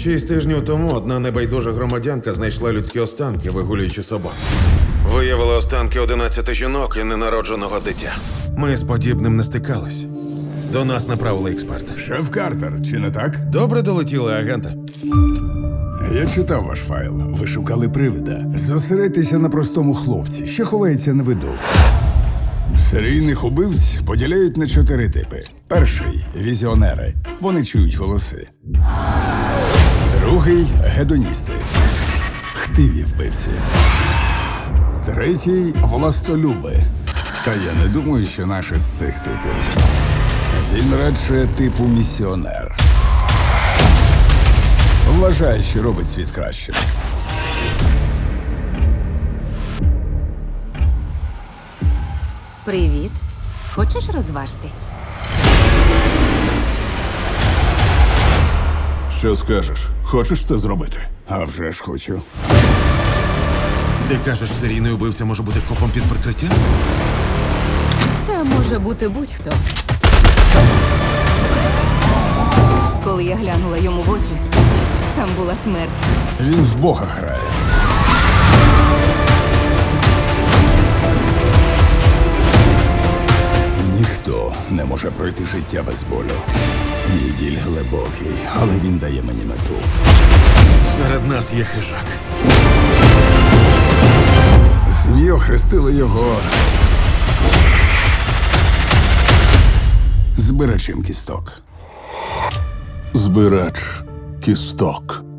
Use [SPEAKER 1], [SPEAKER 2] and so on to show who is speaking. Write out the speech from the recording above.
[SPEAKER 1] 6 тижнів тому одна небайдужа громадянка знайшла людські останки, вигулюючи собак. Виявили останки 11 жінок і ненародженого дитя. Ми з подібним не стикались. До нас направили експерта.
[SPEAKER 2] Шеф Картер, чи не так?
[SPEAKER 1] Добре долетіли, агенте.
[SPEAKER 2] Я читав ваш файл. Ви шукали привида. Зосередьтеся на простому хлопці, що ховається на виду. Серійних убивць поділяють на 4 типи. Перший – візіонери. Вони чують голоси. Другий – гедоністи. Хтиві вбивці. Третій – властолюби. Та я не думаю, що наш із цих типів. Він радше типу місіонер. Вважає, що робить світ кращим.
[SPEAKER 3] Привіт. Хочеш розважитись?
[SPEAKER 2] Що скажеш? Хочеш це зробити? А вже ж хочу.
[SPEAKER 1] Ти кажеш, серійний убивця може бути копом під прикриттям?
[SPEAKER 4] Це може бути будь-хто.
[SPEAKER 3] Коли я глянула йому в очі, там була смерть.
[SPEAKER 2] Він в Бога грає. Ніхто не може пройти життя без болю. Мій біль глибокий, але він дає мені мету.
[SPEAKER 1] Серед нас є хижак.
[SPEAKER 2] ЗМІ охрестили його збирачем кісток.
[SPEAKER 5] Збирач кісток.